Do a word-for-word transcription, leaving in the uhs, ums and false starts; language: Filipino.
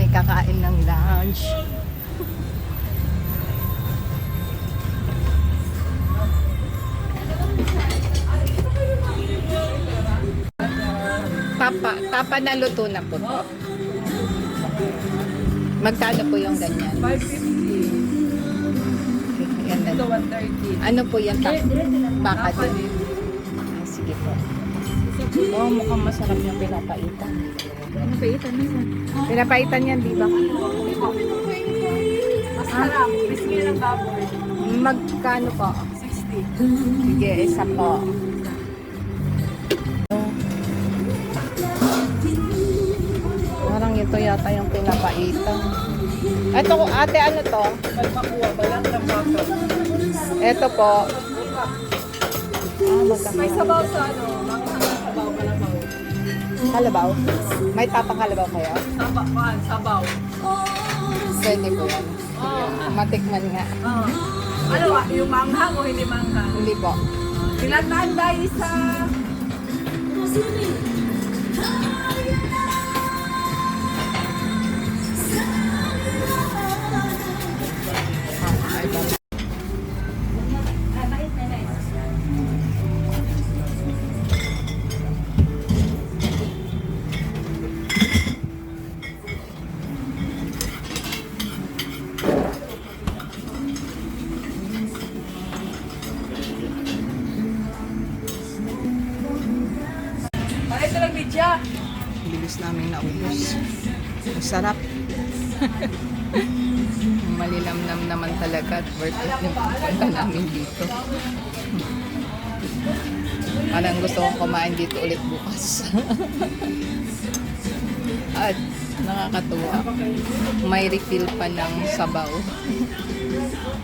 kakain ng lunch. Tapa, tapa na luto na po to. Magkano po yung ganyan? five fifty. Yan na. Ito one thirty. Ano po yan? Ta- baka din. Ah, sige po. Oh, mukhang masarap yung pinapaitan. Ano ba ito? Pinapaitan yan, di ba? Masarap. Crispy ng baboy. Magkano po? sixty. Sige, isa po. Parang ito yata yung pinapaitan. Ito, ate, ano to? Malmakuha. Balang ng baka. Ito po. Ah, May magkakalabaw. sabaw sa ano. Mga sabaw. Malamaw. Kalabaw? May tapang kalabaw kayo? Sabaw. Kuhan. Sabaw. Pwede po yan. Oo. Matikman nga. Oo. Ano ah? Yung manghang o hindi manghang? Hindi po. Kailangan dahil sa... Ay, ito lang bidya. Bilis namin naubos. Ang sarap. Malinamnam naman talaga at worth it yung pupunta namin dito. Parang gusto kong kumain dito ulit bukas. At nakakatuwa. May refill pa ng sabaw.